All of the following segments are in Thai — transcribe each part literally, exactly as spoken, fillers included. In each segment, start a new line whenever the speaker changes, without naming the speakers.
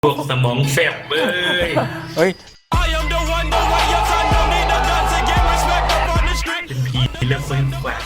พวกสมองแฟบเอ้ย
เฮ้ย
เป็นผีแล้วฟื้นกว่า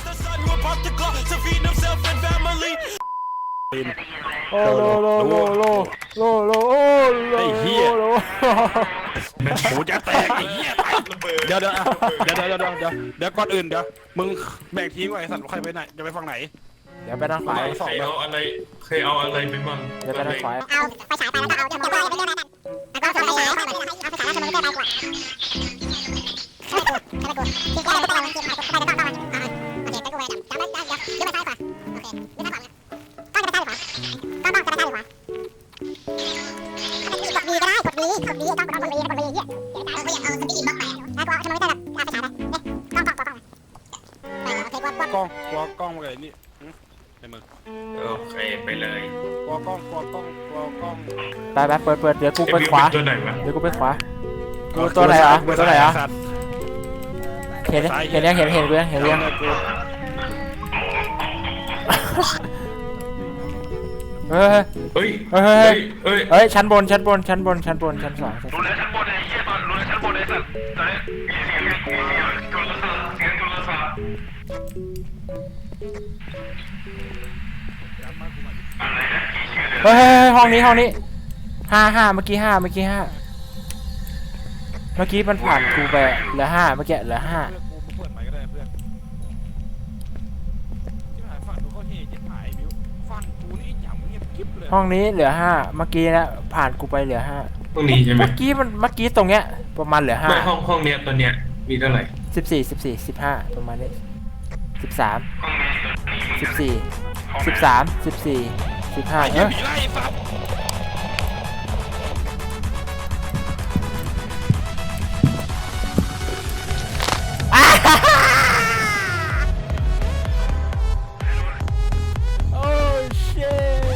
โอ้โลโลโลโลโลโลโอ้โลไอ้เหี้ย
หูจะแตกไอ้เหี้ยเดี๋ยวเดี๋ยวเดี๋ยวเดี๋ยวเดี๋ยวเดี๋ยวเดี๋ยวก่อนอื่นเดี๋ยวมึงแบ่งทีมไว้ไอ้สัตว์ใครไปไหนจะไปฝั่งไหน
เดี๋ยวไปทางขวา
ใครเอาอะไรเคยเอาอะไรไปมั่ง
เดี๋ยวไปทางขวา
เอาไปฉายไปแล้วก็เอาจะมองไปเรื่อยๆนั่นแล้วก็เอาไปฉายเอาไปฉายแล้วจะมองไปเรื่อยๆไปกว่าใช่ไหมกูใช่ไหมกูที่แกเราต้องเอาทีมไปต้องต้องต้องอ่าโอเคไปกูไปดำจำได้เดี๋ยวเดี๋ยวไปซ้ายขวาโอเคเดี๋ยวซ้ายขวาต้องจะไปซ้ายขวาต้องต้องจะไปซ้ายขวากดวีก็ได้กดวีกดวีต้องกดวีกดวีเหี้ยเดี๋ยวตายเขาอยากเอาสปีดบล็อกไปแล้วก็เอาจะมองไปเรื่อยๆเอาไปฉายไปเนี่ยต้องต้องต้องต้องไปโอเคกดกด
กล้องกลัวกล้องมาเลยนี่ในมือ
โอเคไปเลย
กลัวกล้องกลัวกล้องกลัวกล้อง
ไปไปเปิดเปิดเดี๋ยวกูไปขวา
ตัวไหนวะ
เดี๋ยวกูไปขวากูตัวไหนอ่ะตัวไหนอ่ะเห็นเห็นยังเห็นเห็นเรื่องเห็นเรื่องเฮ้ย
เฮ้ย
เฮ้ย
เฮ้ยเฮ้ย
เฮ้ยชั้นบนชั้นบนชั้นบนชั้นบนชั้นสองชั้นสอง
รู้แล้วชั้นบนไอ้เหี้ยตอนรู้แล้วชั้นบนไอ้สัตว์ตอนนี้มีเสียงมีเสียงโทรศัพท์เสียงโทรศัพท์อะไรนะกี่ชื่อเดิม
เฮ้ยห้องนี้ห้องนี้ห้าห้าเมื่อกี้ห้าเมื่อกี้ห้าเมื่อกี้มันผ่านกูไปเหลือห้าเมื่อกี้เหลือห้า
เพื่อนกูเปิดใหม่ก็ได้เพื่อนที่หายฝั่งดูเขาเฮจิ๊บหายบิวฝั่งกูนี่อย่างเงียบกิ๊บเลย
ห้องนี้เหลือห้าเมื่อกี้นะผ่านกูไปเหลือห้า
ห้องนี้ใช่ไหม
เมื่อกี้มันเมื่อกี้ตรงเนี้ยประมาณเหลือห้า
ไม่ห้องห้องเนี้ยตัวเนี้ยมีเท่าไหร่
สิบสี่สิบสี่สิบห้าประมาณนี้สิบสามสิบสี่สิบสามสิบสี่สิบห้า
ไอ้
เอ
เหี้ย
อ
ผีไล่สัตว์
โอ้เช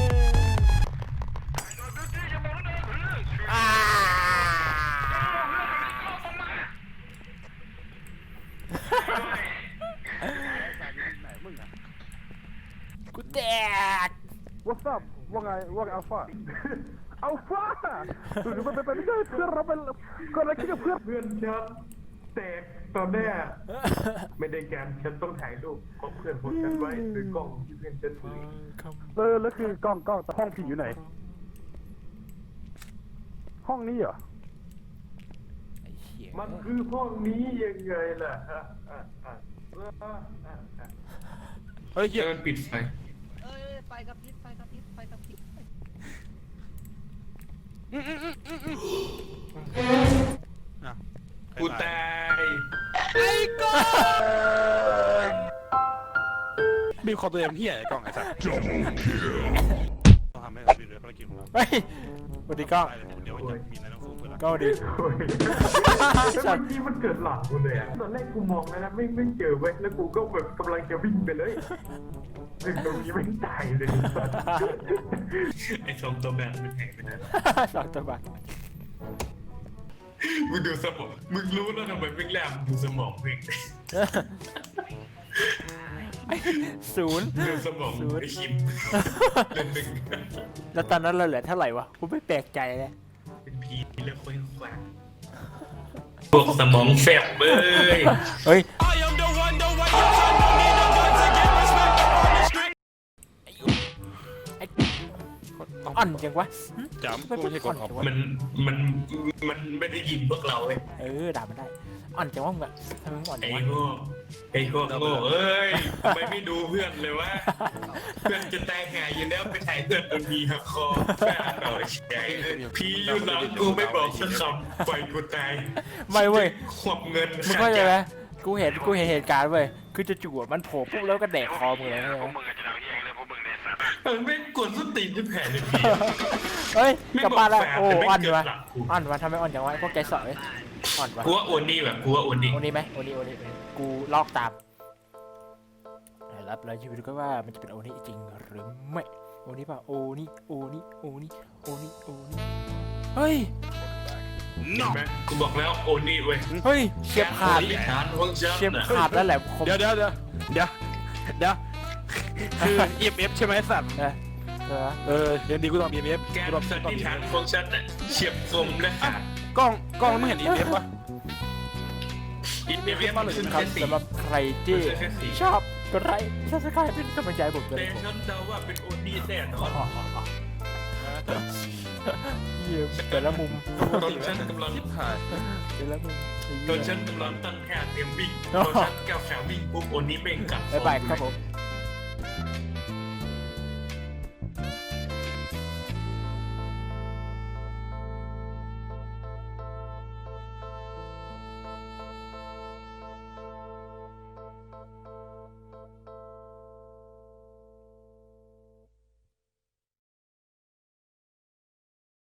กูแตก
What's up ว่าไงว่าไงอัลฟาอัลฟาดูดูมันเป็นไม่ใช่เพื่อนเราเป็นก็อะไรคิดกับเพื่อน
เพื่อนฉันแตกตอนแรกไม่ได้การฉันต้องถ่ายรูปของเพื่อนของฉันไว้หรือกล้องที่เพื่อนฉันถือ
เออแล้วคือกล้องกล้องแต่ห้องผีอยู่ไหนห้องนี้เหรอ
ไอ้เหี้ย
มันคือห้องนี้ยังไงล่ะฮะอ่ะอ่ะอ่ะอ่ะอ่ะ
เฮ้ยเหี้ย
เดินปิดไฟ
เอ้ยไฟกระพริบไฟกระพริบไฟกระพริบ
อ่ะ
กูตาย
บีบคอตัวเองเหี้ยไอ้กล้องไอ้สัสต้องทำให้เราดีเลยภารกิจของเรา
เฮ้ยสวัสดีกล้อง
เดี๋ยวจะมีอะไรต้องสู้เพื่อน
กล้องดี
โอ้ยแล้วเมื่อกี้มันเกิดหลังกูเลยอะตอนแรกกูมองแล้วนะไม่ไม่เจอเว้ยแล้วกูก็แบบกำลังจะวิ่งไปเลยถึงตรงนี้ไม่ตายเลยไอ้สองตัวแบบมันแหงไปนะ
สองตัวบัก
มึงดูสมองมึงรู้แล้วทำไมวิ่งแรมดูสมองวิ่ง
ศูนย์
ดูสมองไอ้คิมเล่นหนึ่ง
แล้วตอนนั้นเราเหลือเท่าไหร่วะกูไม่แปลกใจเลย
เป็นผีแล้วค่อยแขวกพวกสมองแฟบเอ้ย
เฮ้ยอ่อนจังวะ
จำกูไม่ใช่กดออก
มันมันมันไม่ได้ยินพวกเราเลย
เออด่ามันได้อ่อนจังวะมึงอะทำไมมึงอ่อนจั
ไอ้
งวะ
โง่ไอ้พวกโง่เอ้ยทำไมไม่ดูเพื่อนเลยวะเพื่อนจะตายหายอยู่แล้วไปถ่ายเพื่อนโดนมีหักคอแม่หน่อยใหญ่เลยพี่อยู่หลังกูไม่บอกสักคำปล่อยกูตาย
ไม่เว้ย
ขวบเงิน
มึงเข้าใจไหมกูเห็นกูเห็นเหตุการณ์เว้ยคือจะจู่ๆมันโผล่ปุ๊บแล้วก็แดกคอมึงเลย
พวกมึงจะเอาเหี้ยเลยพวกมึงเนี่ยสัตว์
เออไม่กดสติจะแผ่เลยพี่
เฮ้ยกลับบ้านแล้ว
ไม่
โอ้
บอกแฟน
อ่อน
แต่ไม่
วะ
เกิดหลักกู
อ่อนวะทำไมอ่อนจังวะพวกแกสอยอ่อนวะ
กูว่าโอนี่แบบกูว่าโอนี่
โอนี่ไหมโอนี่โอนี่กูลอกตามรับแล้วชีวิตก็ว่ามันจะเป็นโอนี่จริงหรือไม่โอนี่ป่ะโอนี่โอนี่โอนี่โอนี่โอนี่เฮ้ย
เห็นไหมกูบอกแล้วโอนี่เว้ย
เฮ้ยเชียบขาด
ฐานของฉัน
เชียบ
น่ะ
ขาดแล้วแหละผม
เดี๋ยวเดี๋ยวเดี๋ยวเดี๋ยวเดี๋ยวคือ อี เอ็ม เอฟ ใช่ไหมสัตว์
เออใช่ไหม
เออเดี๋ยวดีกูต้อง อี เอ็ม เอฟ
แกน
กูต้อง
สันนิษฐานของฉันน่ะเฉียบคมและขาด
กล้องกล้องไม่เห็น อี เอ็ม เอฟ ปะ
อินเดียเวียนมันขึ้น
ครั
แค่
บ
สี่
สำหรับใครที่
มันจะแค่สี่
ชอบกดไลค์ซับสไครป์เป็นกำลังใจให้ผมด้วย
แต่
นะครับ
ฉันเดาว่าเป็นโอดีแน่นอน
เยี่ยมแต่ละมุม
ตอนฉันกำลัง
แต่ละมุม
ตอนฉันกำลังตั้งค่าเตรียมวิ่งตอนฉันก้าวขาวิ่งปุ๊บโอนี้เบ่งกลับ
บ๊ายบายครับผม